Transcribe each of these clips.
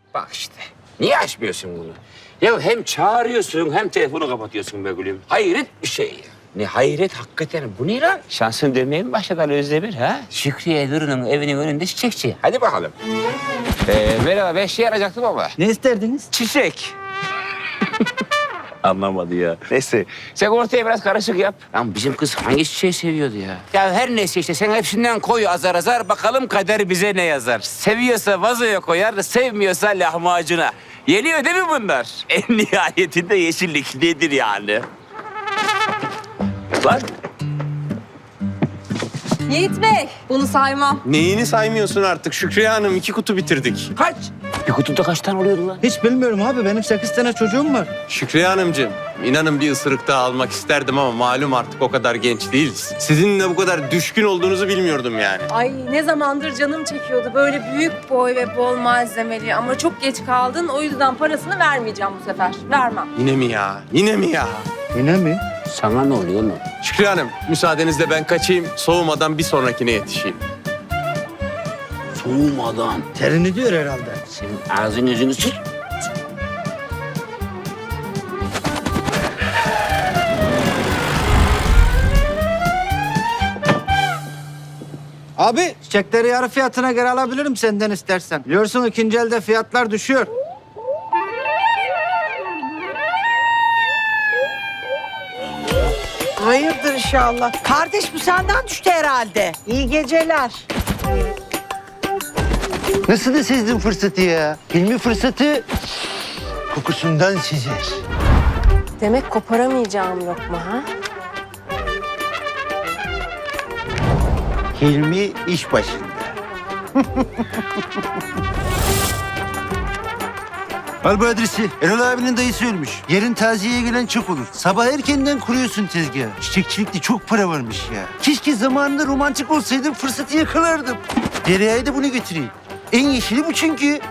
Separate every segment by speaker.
Speaker 1: Bak işte. Niye açmıyorsun bunu? Ya hem çağırıyorsun hem telefonu kapatıyorsun be gülüm. Hayret bir şey ya. Ne hayret hakikaten. Bu ne lan? Şansın dönmeye mi başladı Ali Özdemir ha? Şükriye Duru'nun evinin önünde çiçekçi. Hadi bakalım. Merhaba, ben şey arayacaktım ama.
Speaker 2: Ne isterdiniz?
Speaker 1: Çiçek. Anlamadı ya. Neyse, sen ortaya biraz karışık yap. Lan bizim kız hangi çiçeği seviyordu ya? Ya her neyse işte sen hepsinden koy azar azar. Bakalım kader bize ne yazar. Seviyorsa vazoya koyar, sevmiyorsa lahmacuna. Yeniyor değil mi bunlar? En nihayetinde yeşillik nedir yani? Lan
Speaker 3: Yiğit Bey, bunu saymam.
Speaker 4: Neyini saymıyorsun artık Şükriye Hanım? 2 kutu bitirdik.
Speaker 1: kaç? Bir kutuda kaç tane oluyordu lan?
Speaker 2: Hiç bilmiyorum abi. Benim 8 tane çocuğum var.
Speaker 4: Şükriye Hanımcığım, inanın bir ısırık daha almak isterdim ama malum artık o kadar genç değiliz. Sizinle bu kadar düşkün olduğunuzu bilmiyordum yani.
Speaker 3: Ay ne zamandır canım çekiyordu böyle büyük boy ve bol malzemeli ama çok geç kaldın. O yüzden parasını vermeyeceğim bu sefer. Vermem.
Speaker 4: Yine mi ya? Yine mi ya?
Speaker 2: Yine mi?
Speaker 1: Sana ne oluyor lan?
Speaker 4: Şükriye Hanım, müsaadenizle ben kaçayım. Soğumadan bir sonrakine yetişeyim.
Speaker 1: Soğumadan.
Speaker 2: Terini diyor herhalde.
Speaker 1: Senin ağzını yüzünü sür.
Speaker 2: Abi çiçekleri yarı fiyatına göre alabilirim senden istersen. Biliyorsun ikinci elde fiyatlar düşüyor.
Speaker 5: Hayırdır inşallah. Kardeş bu senden düştü herhalde. İyi geceler.
Speaker 6: Nasıl da sezdin fırsatı ya? Hilmi fırsatı kokusundan sezer.
Speaker 3: Demek koparamayacağım yok mu ha?
Speaker 6: Hilmi iş başında. Al bu adresi. Erol abinin dayısı ölmüş. Yarın taziyeye gelen çok olur. Sabah erkenden kuruyorsun tezgahı. Çiçekçilikte çok para varmış ya. Keşke zamanında romantik olsaydım, fırsatı yakalardım. Derya'ya da bunu götüreyim. En yeşili bu çünkü.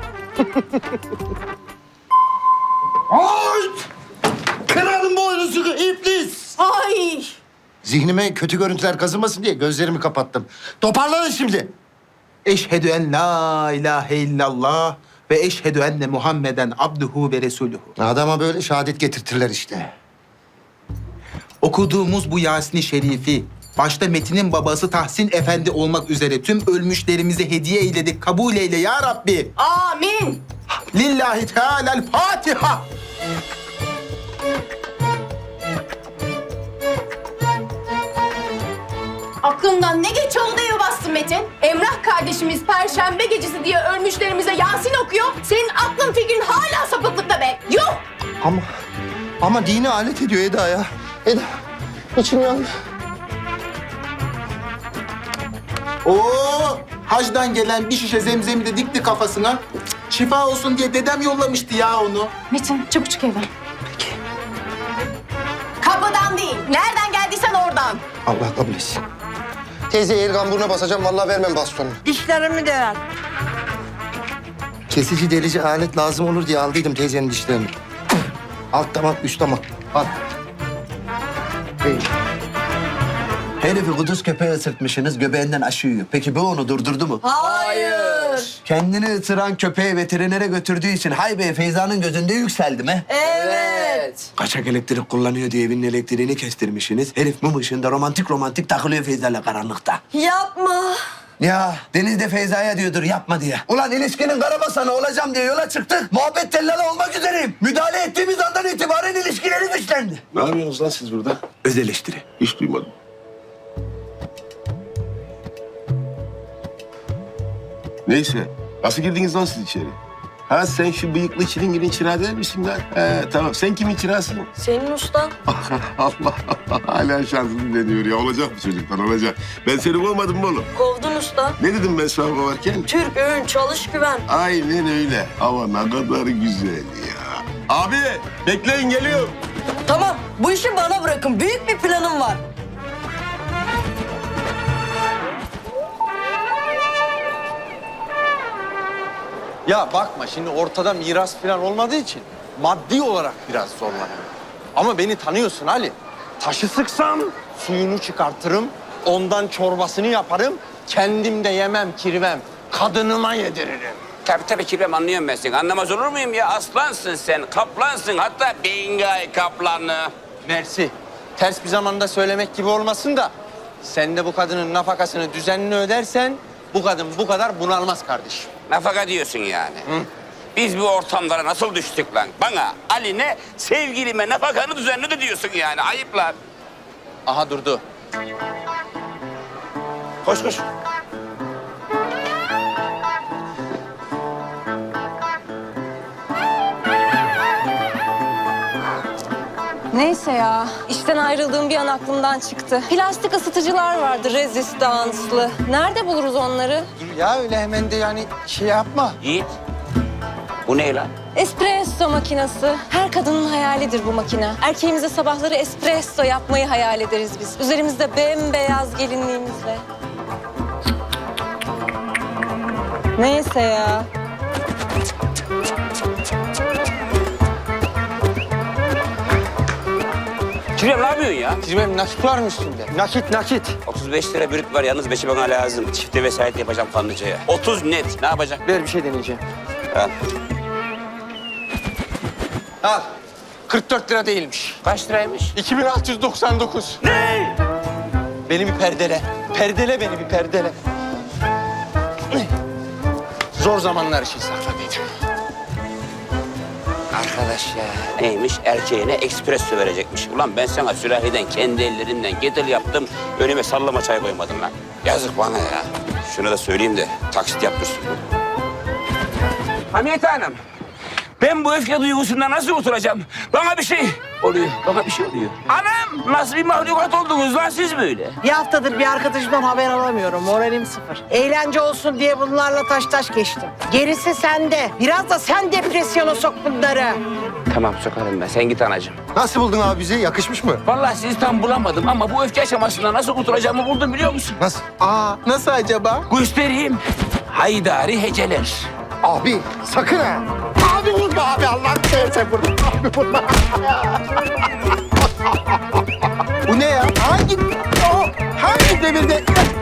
Speaker 7: Ay! Kırarım boynuzumu iblis!
Speaker 5: Ay!
Speaker 7: Zihnime kötü görüntüler kazınmasın diye gözlerimi kapattım. Toparlanın şimdi.
Speaker 8: Eşhedü en la ilahe illallah ve eşhedü enne Muhammeden abduhu ve resuluhu.
Speaker 7: Adama böyle şehadet getirtirler işte.
Speaker 8: Okuduğumuz bu Yasin-i Şerifi, başta Metin'in babası Tahsin Efendi olmak üzere tüm ölmüşlerimize hediye eyledik. Kabul eyle ya Rabbi.
Speaker 5: Amin!
Speaker 8: Lillahi Teala'l Fatiha.
Speaker 9: Aklından ne geç oldu eve bastın Metin? Emrah kardeşimiz Perşembe gecesi diye ölmüşlerimize Yasin okuyor. Senin aklın fikrin hala sapıklıkta be. Yuh!
Speaker 7: Ama dini alet ediyor Eda ya. Eda, içim yandı.
Speaker 8: Oo, hacdan gelen bir şişe zemzemi de dikti kafasına. Şifa olsun diye dedem yollamıştı ya onu.
Speaker 9: Metin çabuk çık evden. Peki. Kapıdan değil. Nereden geldiysen oradan.
Speaker 7: Allah kabul etsin. Teyze el kamburuna basacağım, vallahi vermem bastonu.
Speaker 5: Dişlerimi de ver.
Speaker 7: Kesici delici alet lazım olur diye aldıydım teyzenin dişlerini. Alt damak, üst damak. Al.
Speaker 6: Herifi kuduz köpeğe ısırtmışsınız, göbeğinden aşı yiyor. Peki bu onu durdurdu mu?
Speaker 5: Hayır.
Speaker 6: Kendini ısıran köpeği veterinere götürdüğü için Haybe Feyza'nın gözünde yükseldi mi?
Speaker 5: Evet.
Speaker 6: Kaçak elektrik kullanıyor diye evinin elektriğini kestirmişsiniz. Herif mum ışığında romantik takılıyor Feyza'yla karanlıkta.
Speaker 5: Yapma.
Speaker 6: Ya Deniz de Feyza'ya diyordur yapma diye. Ulan ilişkinin karabasanı olacağım diye yola çıktık. Muhabbet tellalı olmak üzereyim. Müdahale ettiğimiz andan itibaren ilişkileri güçlendi.
Speaker 10: Ne yapıyorsunuz lan siz burada?
Speaker 6: Öz eleştiri.
Speaker 10: Hiç duymadım. Neyse. Nasıl girdiniz lan siz içeri? Ha sen şu bıyıklı çilinginin çırağı değil misin lan? Tamam. Sen kimin çırağısın?
Speaker 5: Senin ustan.
Speaker 10: Allah Allah. Hala şansını deniyor ya. Olacak mı çocuklar? Olacak. Ben seni kovmadım mı oğlum?
Speaker 5: Kovdun usta.
Speaker 10: Ne dedim ben sana kovarken?
Speaker 5: Türk öğün çalış güven.
Speaker 10: Aynen öyle. Ama ne kadar güzel ya. Abi bekleyin geliyorum.
Speaker 5: Tamam bu işi bana bırakın. Büyük bir planım var.
Speaker 4: Ya bakma şimdi ortada miras falan olmadığı için maddi olarak biraz zorlanıyorum. Ama beni tanıyorsun Ali. Taşı sıksam suyunu çıkartırım, ondan çorbasını yaparım, kendim de yemem kirvem, kadınıma yediririm.
Speaker 1: Tabii Kirvem, anlıyorum ben seni. Anlamaz olur muyum ya? Aslansın sen, kaplansın. Hatta Bingay kaplanı.
Speaker 4: Mersi. Ters bir zamanda söylemek gibi olmasın da sen de bu kadının nafakasını düzenli ödersen bu kadın bu kadar bunalmaz kardeşim.
Speaker 1: Nafaka diyorsun yani. Biz bu ortamlara nasıl düştük lan? Bana, Ali'ne, sevgilime nafakanı düzenli de diyorsun yani. Ayıp lan.
Speaker 4: Aha durdu.
Speaker 1: Koş koş.
Speaker 3: Neyse ya, işten ayrıldığım bir an aklımdan çıktı. Plastik ısıtıcılar vardı, rezistanslı. Nerede buluruz onları?
Speaker 4: Dur ya öyle hemen de yani şey yapma.
Speaker 1: Yiğit. Bu ne lan?
Speaker 3: Espresso makinesi. Her kadının hayalidir bu makine. Erkeğimize sabahları espresso yapmayı hayal ederiz biz. Üzerimizde bembeyaz gelinliğimizle. Neyse ya.
Speaker 1: Kirvem, ne yapıyorsun ya?
Speaker 4: Benim nakit var mı üstünde? Nakit.
Speaker 1: 35 lira brüt var, yalnız 5'i bana lazım. Çifte vesayet yapacağım Kanlıca'ya. 30 net. Ne yapacak?
Speaker 4: Ver bir şey deneyeceğim.
Speaker 1: Al.
Speaker 4: Al. 44 lira değilmiş.
Speaker 1: Kaç liraymış?
Speaker 4: 2699. Ne? Beni bir perdele. Perdele beni bir perdele. Zor zamanlar için sakladıydım.
Speaker 1: Arkadaş ya. Neymiş? Erkeğine espresso verecekmiş. Ulan ben sana sürahiden kendi ellerimden getir yaptım. Önüme sallama çay koymadım lan. Yazık bana ya. Şunu da söyleyeyim de taksit yaptırsın. Hamiyet Hanım. Ben bu öfke duygusundan nasıl oturacağım? Bana bir şey oluyor. Bana bir şey oluyor. Anam, nasıl bir mahlukat oldunuz lan siz böyle?
Speaker 5: Bir haftadır bir arkadaşımdan haber alamıyorum. Moralim sıfır. Eğlence olsun diye bunlarla taş geçtim. Gerisi sende. Biraz da sen depresyona sok bunları.
Speaker 1: Tamam, sokarım ben. Sen git anacığım.
Speaker 7: Nasıl buldun abi bizi? Yakışmış mı?
Speaker 1: Vallahi sizi tam bulamadım ama bu öfke aşamasında nasıl kurtulacağımı buldum, biliyor musun?
Speaker 7: Nasıl?
Speaker 8: Aa, nasıl acaba?
Speaker 1: Göstereyim. Haydari heceler.
Speaker 7: Abi sakın ha. Abi vurma abi Allah'ını seversen vurma. Abi vurma.
Speaker 8: Bu ne ya? Hangi devirde?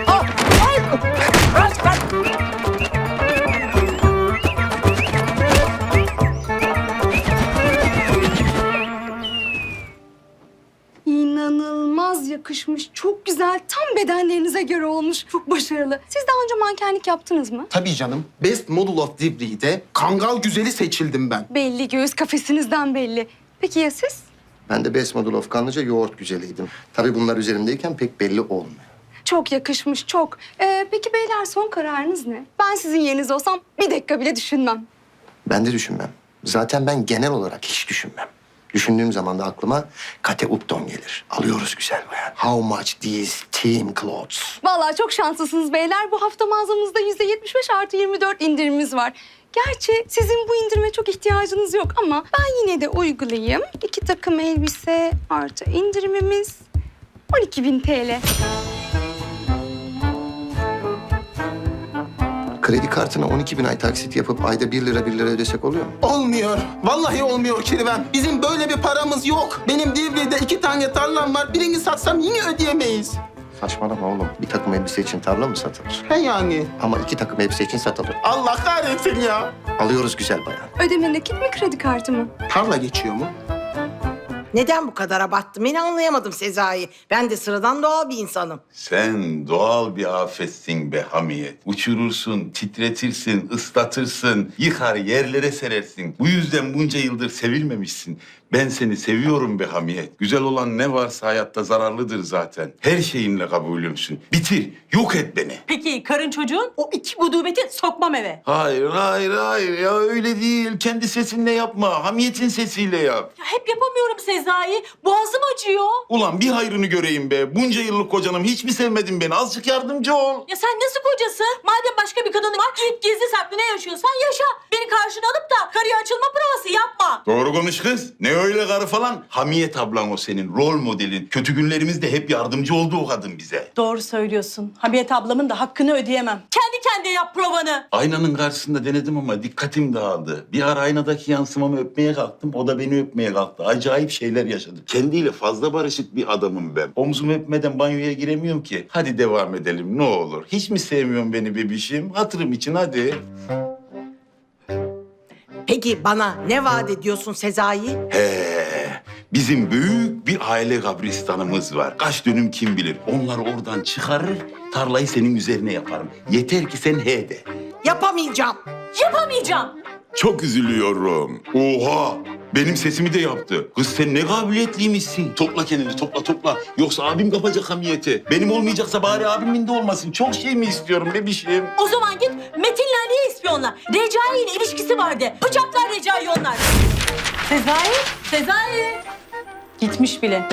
Speaker 9: İnanılmaz yakışmış. Çok güzel. Tam bedenlerinize göre olmuş. Çok başarılı. Siz daha önce mankenlik yaptınız mı?
Speaker 8: Tabii canım. Best Model of Divri'de Kangal Güzeli seçildim ben.
Speaker 9: Belli. Göğüs kafesinizden belli. Peki ya siz?
Speaker 7: Ben de Best Model of Kanlıca yoğurt güzeliydim. Tabii bunlar üzerimdeyken pek belli olmuyor.
Speaker 9: Çok yakışmış. Çok. Peki beyler son kararınız ne? Ben sizin yerinizde olsam bir dakika bile düşünmem.
Speaker 7: Ben de düşünmem. Zaten ben genel olarak hiç düşünmem. Düşündüğüm zaman da aklıma Kate Upton gelir. Alıyoruz güzel bayan. How much these team clothes?
Speaker 9: Vallahi çok şanslısınız beyler. Bu hafta mağazamızda %75+24 indirimimiz var. Gerçi sizin bu indirime çok ihtiyacınız yok ama ben yine de uygulayayım. 2 takım elbise artı indirimimiz 12.000 TL.
Speaker 7: Kredi kartına 12.000 ay taksit yapıp ayda 1 lira ödesek oluyor mu?
Speaker 8: Olmuyor. Vallahi olmuyor Kirvem. Bizim böyle bir paramız yok. Benim Divri'de 2 tane tarlam var. Birini satsam yine ödeyemeyiz.
Speaker 7: Saçmalama oğlum. Bir takım elbise için tarla mı satılır?
Speaker 8: He yani.
Speaker 7: Ama 2 takım elbise için satılır.
Speaker 8: Allah kahretsin ya.
Speaker 7: Alıyoruz güzel bayan.
Speaker 9: Ödeme nakit mi kredi kartı mı?
Speaker 8: Tarla geçiyor mu?
Speaker 5: Neden bu kadar abarttım? Beni anlayamadım Sezai. Ben de sıradan doğal bir insanım.
Speaker 11: Sen doğal bir afetsin be Hamiyet. Uçurursun, titretirsin, ıslatırsın, yıkar yerlere serersin. Bu yüzden bunca yıldır sevilmemişsin. Ben seni seviyorum be Hamiyet. Güzel olan ne varsa hayatta zararlıdır zaten. Her şeyinle kabulümsün. Bitir, yok et beni.
Speaker 12: Peki karın çocuğun o 2 gudubeti sokmam eve.
Speaker 11: Hayır ya öyle değil. Kendi sesinle yapma. Hamiyet'in sesiyle yap.
Speaker 12: Ya hep yapamıyorum Sezai. Boğazım acıyor.
Speaker 11: Ulan bir hayrını göreyim be. Bunca yıllık kocanım hiç mi sevmedin beni? Azıcık yardımcı ol.
Speaker 12: Ya sen nasıl kocasın? Madem başka bir kadın var git gizli saklı ne yaşıyorsan yaşa. Beni karşına alıp da karıya açılma provası yapma.
Speaker 11: Doğru konuş kız. Ne öyle karı falan? Hamiyet ablan o senin, rol modelin. Kötü günlerimizde hep yardımcı oldu o kadın bize.
Speaker 12: Doğru söylüyorsun. Hamiyet ablamın da hakkını ödeyemem. Kendi kendine yap provanı.
Speaker 11: Aynanın karşısında denedim ama dikkatim dağıldı. Bir ara aynadaki yansımamı öpmeye kalktım, o da beni öpmeye kalktı. Acayip şeyler yaşadık. Kendiyle fazla barışık bir adamım ben. Omzumu öpmeden banyoya giremiyorum ki. Hadi devam edelim ne olur. Hiç mi sevmiyorsun beni bebişim? Hatırım için hadi.
Speaker 5: Peki bana ne vaat ediyorsun Sezai?
Speaker 11: Bizim büyük bir aile kabristanımız var. Kaç dönüm kim bilir. Onları oradan çıkarır, tarlayı senin üzerine yaparım. Yeter ki sen he de.
Speaker 5: Yapamayacağım.
Speaker 12: Yapamayacağım.
Speaker 11: Çok üzülüyorum. Oha! Benim sesimi de yaptı. Kız sen ne kabiliyetliymişsin. Topla kendini, topla. Yoksa abim kapacak hamiyeti. Benim olmayacaksa bari abimin de olmasın. Çok şey mi istiyorum bebişim?
Speaker 12: O zaman git Metin'le Ali'ye ispiyonla. Recai ile ilişkisi vardı. Bıçaklar Recai onlar. Sezai. Gitmiş bile.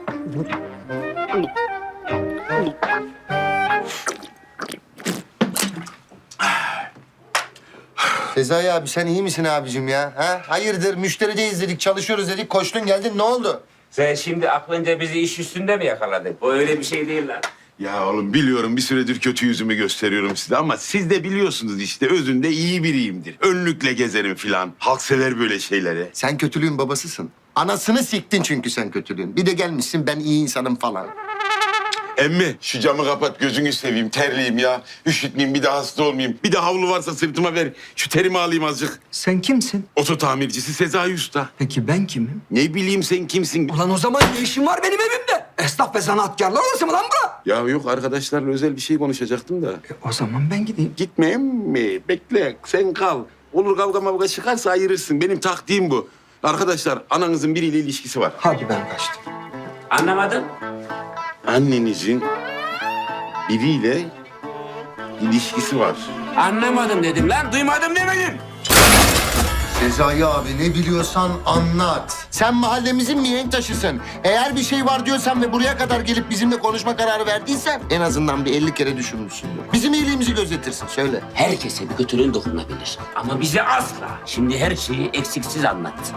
Speaker 7: Sezai abi sen iyi misin abicim ya? Ha? Hayırdır müşterideyiz dedik, çalışıyoruz dedik, koştun geldin ne oldu?
Speaker 1: Sen şimdi aklınca bizi iş üstünde mi yakaladın? Bu öyle bir şey değil lan.
Speaker 11: Ya oğlum biliyorum bir süredir kötü yüzümü gösteriyorum size ama siz de biliyorsunuz işte özünde iyi biriyimdir. Önlükle gezerim filan. Halk sever böyle şeyleri.
Speaker 7: Sen kötülüğün babasısın. Anasını siktin çünkü sen kötülüğün. Bir de gelmişsin ben iyi insanım falan.
Speaker 11: Emmi şu camı kapat gözünü seveyim terliyim ya. Üşütmeyeyim bir de hasta olmayayım. Bir de havlu varsa sırtıma ver. Şu terimi alayım azıcık.
Speaker 2: Sen kimsin?
Speaker 11: Oto tamircisi Sezai Usta.
Speaker 2: Peki ben kimim?
Speaker 11: Ne bileyim sen kimsin?
Speaker 2: Ulan o zaman ne işin var benim evimde? Esnaf ve sanatkarlar odası mı lan bura?
Speaker 11: Ya yok arkadaşlarla özel bir şey konuşacaktım da.
Speaker 2: O zaman ben gideyim.
Speaker 11: Gitme emmi bekle sen kal. Olur kavga mavga çıkarsa ayırırsın. Benim taktiğim bu. Arkadaşlar ananızın biriyle ilişkisi var.
Speaker 2: Hadi ben kaçtım.
Speaker 1: Anlamadım.
Speaker 11: Annenizin biriyle ilişkisi var.
Speaker 1: Anlamadım dedim lan. Duymadım demedim.
Speaker 7: Sezai abi ne biliyorsan anlat. Sen mahallemizin mihenk taşısın. Eğer bir şey var diyorsan ve buraya kadar gelip bizimle konuşma kararı verdiysen en azından bir 50 kere düşünmüşsündür. Bizim iyiliğimizi gözetirsin söyle.
Speaker 1: Herkese bir kötülüğün dokunabilir. Ama bize asla. Şimdi her şeyi eksiksiz anlat.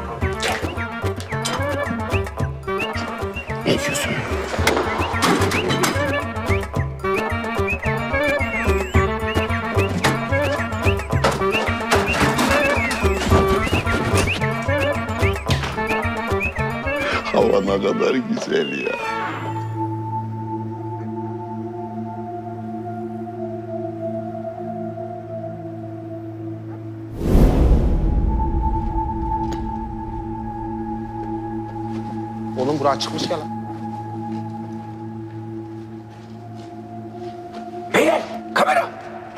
Speaker 1: Ne diyorsun?
Speaker 11: Hava ne kadar güzel ya.
Speaker 4: Oğlum bura çıkmış ya lan.
Speaker 1: Beyler kamera.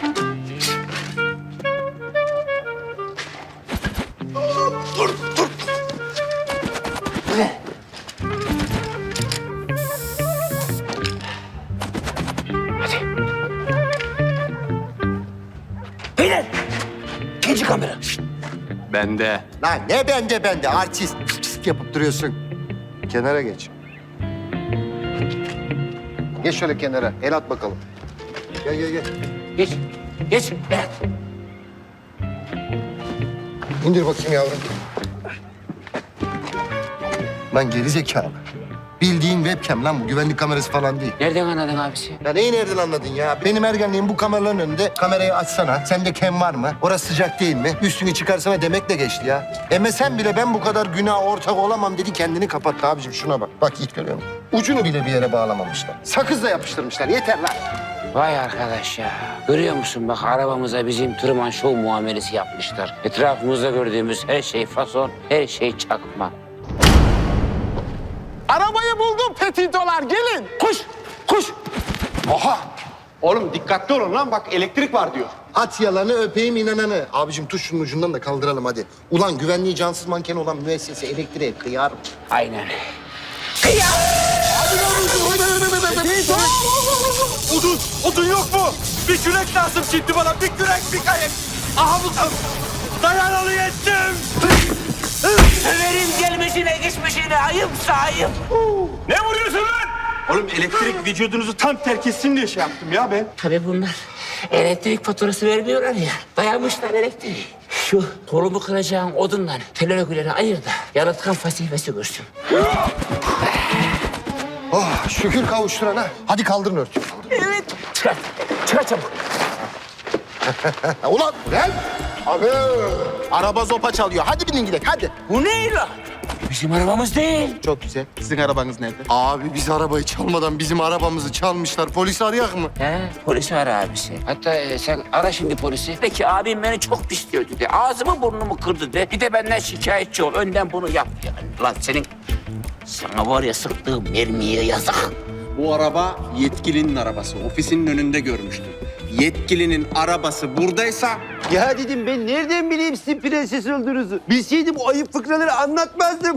Speaker 1: Beyler. İkinci kamera.
Speaker 4: Bende.
Speaker 7: Lan ne bende artist pist yapıp duruyorsun. Kenara geç. Geç şöyle kenara el at bakalım. Gel.
Speaker 1: Geç. Geç. Berat.
Speaker 7: İndir bakayım yavrum. Lan geri zekalı. Bildiğin webcam lan bu. Güvenlik kamerası falan değil.
Speaker 1: Nereden anladın abisi?
Speaker 7: Ya neyi nereden anladın ya? Benim ergenliğim bu kameraların önünde. Kamerayı açsana. Sende kem var mı? Orası sıcak değil mi? Üstünü çıkarsana demekle geçti ya. Sen bile ben bu kadar günaha ortak olamam dedi kendini kapattı abicim. Şuna bak. Bak Yiğit görüyor musun? Ucunu bile bir yere bağlamamışlar. Sakızla yapıştırmışlar. Yeter lan.
Speaker 1: Vay arkadaş ya. Görüyor musun bak arabamıza bizim Truman Show muamelesi yapmışlar. Etrafımızda gördüğümüz her şey fason, her şey çakma.
Speaker 4: Arabayı buldum petitolar gelin. Koş. Oha. Oğlum dikkatli olun lan bak elektrik var diyor.
Speaker 7: At yalanı öpeyim inananı. Abicim tut şunun ucundan da kaldıralım hadi. Ulan güvenliği cansız manken olan müessese elektriğe kıyar.
Speaker 1: Aynen.
Speaker 4: Odun yok mu? Bir kürek lazım şimdi bana. Bir kürek, bir kayık. Aha bu dayanalı yettim.
Speaker 1: Ömer'in gelmişine geçmişine ayıpsa ayıp.
Speaker 4: Ne vuruyorsun lan? Oğlum elektrik vücudunuzu tam terk etsin diye şey yaptım ya ben.
Speaker 1: Tabii bunlar elektrik faturası vermiyorlar ya. Dayanmışlar elektriği. Şu kolumu kıracağın odunla telörgüleri ayır da yalıtkan fasifesi görsün.
Speaker 7: Oh şükür kavuşturana. Hadi kaldırın örtüyü.
Speaker 1: Evet. Çıkar çabuk.
Speaker 7: Ulan gel. Abi. Araba zopa çalıyor. Hadi binin gidelim hadi.
Speaker 1: Bu ne lan? Bizim arabamız değil.
Speaker 8: Çok güzel. Sizin arabanız nerede?
Speaker 7: Abi biz arabayı çalmadan bizim arabamızı çalmışlar. Polisi arayak mı?
Speaker 1: He, polisi ara abisi. Hatta sen ara şimdi polisi. Peki abim beni çok pisliyordu de. Ağzımı burnumu kırdı de. Bir de benden şikayetçi ol. Önden bunu yap yani. Lan senin... Sana var ya sıktığım mermiye yazık.
Speaker 4: Bu araba yetkilinin arabası. Ofisinin önünde görmüştüm. Yetkilinin arabası buradaysa
Speaker 6: Ya dedim ben nereden bileyim sizin prenses olduğunuzu? Bilseydim o ayıp fıkraları anlatmazdım.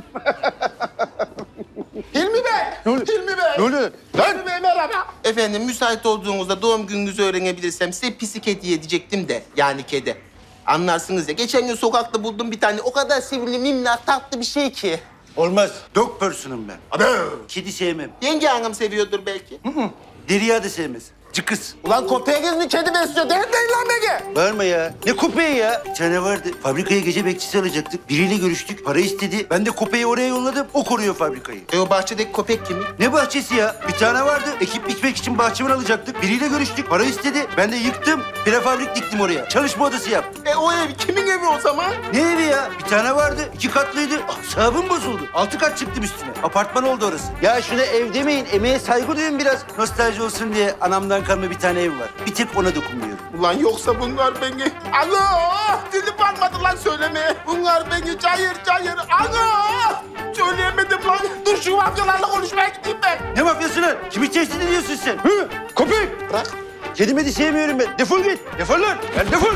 Speaker 8: Hilmi Bey! Hilmi Bey!
Speaker 7: Ne oluyor?
Speaker 8: Hilmi Bey merhaba. Efendim müsait olduğunuzda doğum gününüzü öğrenebilirsem size pisik hediye edecektim de. Yani kedi. Anlarsınız ya. Geçen gün sokakta buldum bir tane. O kadar sevimli, minnak, tatlı bir şey ki.
Speaker 6: Olmaz. Dog person'ım ben. Abi. Kedi sevmem.
Speaker 8: Yenge hanım seviyordur belki.
Speaker 6: Derya da sevmez. Cıkız.
Speaker 8: Ulan köpeğiniz mi kedi besliyor? Değil lan Ege.
Speaker 6: Bağırma ya. Ne köpeği ya? Bir tane vardı. Fabrikaya gece bekçisi alacaktık. Biriyle görüştük. Para istedi. Ben de köpeği oraya yolladım. O koruyor fabrikayı.
Speaker 8: O bahçedeki köpek kimin?
Speaker 6: Ne bahçesi ya? Bir tane vardı. Ekip biçmek için bahçıvan alacaktık. Biriyle görüştük. Para istedi. Ben de yıktım. Prefabrik diktim oraya. Çalışma odası yaptım.
Speaker 8: O ev kimin evi o zaman?
Speaker 6: Ne evi ya? Bir tane vardı. 2 katlıydı. Asabım bozuldu. 6 kat çıktım üstüne. Apartman oldu orası. Ya şuna ev demeyin. Emeğe saygı duyun biraz. Nostalji olsun diye anamdan kalma bir tane ev var. Bir tek ona dokunmuyorum.
Speaker 8: Ulan yoksa bunlar beni... Alo! Dilim varmadı lan söylemeye. Bunlar beni cayır cayır... Alo! Söyleyemedim lan. Dur şu mafyalarla konuşmaya gideyim ben.
Speaker 6: Ne mafyası lan? Kimi tehdit ediyorsun sen? Hı? Köpek!
Speaker 8: Bırak.
Speaker 6: Kedimi de sevmiyorum ben. Defol git. Defol lan. Yani defol.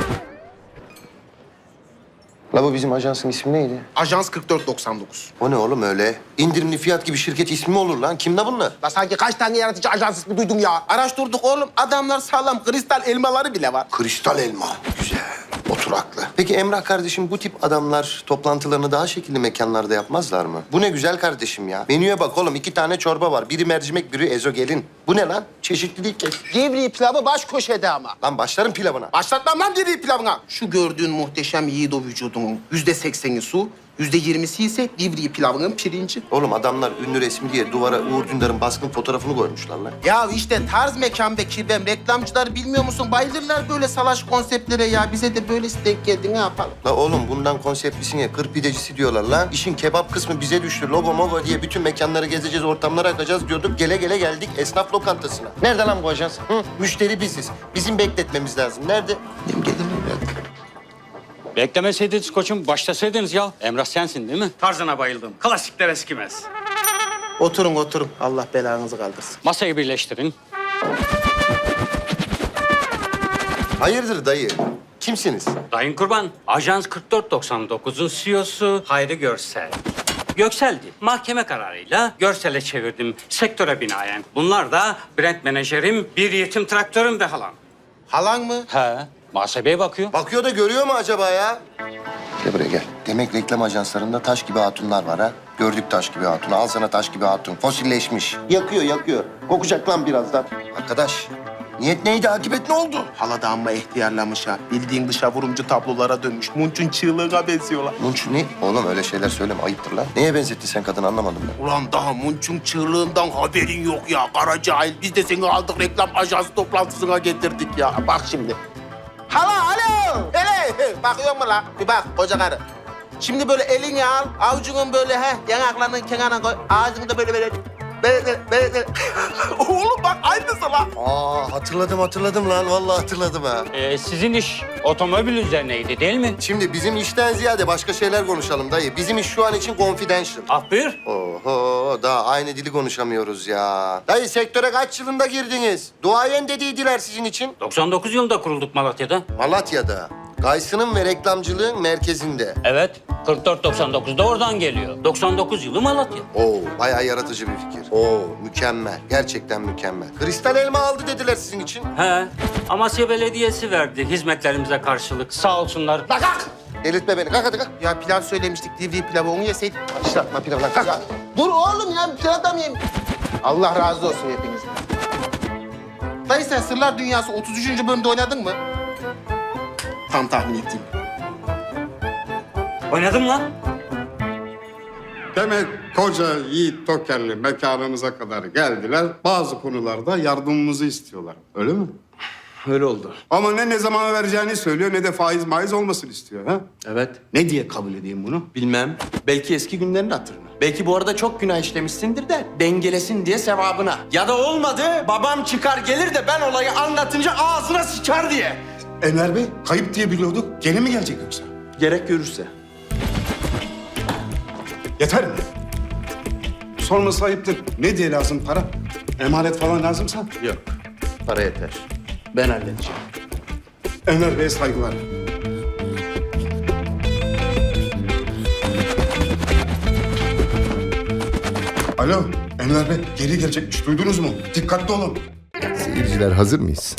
Speaker 7: La bu bizim ajansın ismi neydi?
Speaker 8: Ajans 4499.
Speaker 7: O ne oğlum öyle? İndirimli fiyat gibi şirket ismi mi olur lan? Kimde bunlar?
Speaker 8: La sanki kaç tane yaratıcı ajans ismi duydum ya. Araştırdık oğlum. Adamlar sağlam. Kristal elmaları bile var.
Speaker 7: Kristal elma. Güzel. Oturaklı. Peki Emrah kardeşim bu tip adamlar toplantılarını daha şekilli mekanlarda yapmazlar mı? Bu ne güzel kardeşim ya. Menüye bak oğlum 2 tane çorba var. Biri mercimek, biri ezogelin. Bu ne lan? Çeşitlilik kes.
Speaker 8: Cevri pilavı baş köşede ama.
Speaker 7: Lan başlarım pilavına.
Speaker 8: Başlatmam lan cevri pilavına. Şu gördüğün muhteşem yiğido vücudunun %80'i su, %20'si ise divri pilavının pirinci.
Speaker 7: Oğlum adamlar ünlü resmi diye duvara Uğur Dündar'ın baskın fotoğrafını koymuşlar lan.
Speaker 8: Ya işte tarz mekan be kirvem. Reklamcılar bilmiyor musun? Bayılırlar böyle salaş konseptlere ya. Bize de böylesi denk geldi. Ne yapalım?
Speaker 7: La oğlum bundan konseptlisine kır pidecisi diyorlar lan. İşin kebap kısmı bize düştü. Logo mogo diye bütün mekanları gezeceğiz, ortamlara akacağız diyorduk. Gele gele geldik esnaf lokantasına. Nerede lan bu ajans? Hı? Müşteri biziz. Bizim bekletmemiz lazım. Nerede? Benim gelir mi?
Speaker 13: Beklemeseydiniz koçum, başlasaydınız ya. Emrah sensin değil mi? Tarzına bayıldım. Klasikler eskimez.
Speaker 8: Oturun oturun. Allah belanızı kaldırsın.
Speaker 13: Masayı birleştirin.
Speaker 7: Hayırdır dayı? Kimsiniz?
Speaker 13: Dayın Kurban, Ajans 4499'un CEO'su Hayri Görsel. Göksel'di. Mahkeme kararıyla Görsel'e çevirdim sektöre binaen. Bunlar da brand menajerim, bir yetim traktörüm ve halam.
Speaker 8: Halan mı?
Speaker 13: He, muhasebeye bakıyor.
Speaker 7: Bakıyor da görüyor mu acaba ya? Gel buraya gel. Demek reklam ajanslarında taş gibi hatunlar var ha. Gördük taş gibi hatunu. Al sana taş gibi hatun. Fosilleşmiş. Yakıyor, yakıyor. Kokacak lan birazdan. Arkadaş, niyet neydi? Akıbet ne oldu?
Speaker 8: Hala da amma ihtiyarlamış ha. Bildiğin dışa vurumcu tablolara dönmüş. Munç'un çığlığına benziyorlar.
Speaker 7: Munç ne? Oğlum öyle şeyler söyleme. Ayıptır lan. Neye benzettin sen kadını anlamadım ben.
Speaker 8: Ulan daha Munç'un çığlığından haberin yok ya. Kara cahil. Biz de seni aldık reklam ajansı toplantısına getirdik ya. Bak şimdi. Hala alo. Hele bakıyor mu lan? Bir bak koca karı. Şimdi böyle elini al, avucunun böyle yanaklarının kenarına koy. Ağzını da böyle. Oğlum bak aynısı lan.
Speaker 7: Aa hatırladım lan. Vallahi hatırladım ha.
Speaker 13: Sizin iş otomobil üzerineydi değil mi?
Speaker 7: Şimdi bizim işten ziyade başka şeyler konuşalım dayı. Bizim iş şu an için confidential.
Speaker 13: Ah buyur.
Speaker 7: Oho daha aynı dili konuşamıyoruz ya. Dayı sektöre kaç yılında girdiniz? Duayen dediydiler sizin için.
Speaker 13: 99 yılında kurulduk Malatya'da.
Speaker 7: Malatya'da. Gaysının ve reklamcılığın merkezinde.
Speaker 13: Evet, 4499'da oradan geliyor. 99 yılı Malatya.
Speaker 7: Oo, bayağı yaratıcı bir fikir. Oo, mükemmel. Gerçekten mükemmel. Kristal elma aldı dediler sizin için.
Speaker 13: He, Amasya Belediyesi verdi hizmetlerimize karşılık. Sağ olsunlar.
Speaker 8: Bak kalk.
Speaker 7: Delirtme beni. Kalk hadi kalk.
Speaker 8: Ya pilav söylemiştik, divri pilavı onu yeseydik.
Speaker 7: Başlatma pilavı lan. Kalk.
Speaker 8: Ya, dur oğlum ya, pilav da mı yiyeyim? Allah razı olsun hepinizden. Dayı sen Sırlar Dünyası 33. bölümde oynadın mı? Tam tahmin ettiğim.
Speaker 13: Oynadım lan.
Speaker 14: Demek koca Yiğit Toker'li mekanımıza kadar geldiler. Bazı konularda yardımımızı istiyorlar. Öyle mi?
Speaker 4: Öyle oldu.
Speaker 14: Ama ne zaman vereceğini söylüyor ne de faiz maiz olmasın istiyor. Ha?
Speaker 4: Evet.
Speaker 14: Ne diye kabul edeyim bunu?
Speaker 4: Bilmem. Belki eski günlerin hatırına. Belki bu arada çok günah işlemişsindir de dengelesin diye sevabına. Ya da olmadı babam çıkar gelir de ben olayı anlatınca ağzına sıçar diye.
Speaker 14: Enver Bey kayıp diye biliyorduk. Gene mi gelecek yoksa?
Speaker 4: Gerek görürse.
Speaker 14: Yeter mi? Sorması ayıptır. Ne diye lazım para? Emanet falan lazımsa?
Speaker 4: Yok. Para yeter. Ben halledeceğim.
Speaker 14: Enver Bey'e saygılar. Alo, Enver Bey geri gelecekmiş. Duydunuz mu? Dikkatli olun.
Speaker 7: Seyirciler hazır mıyız?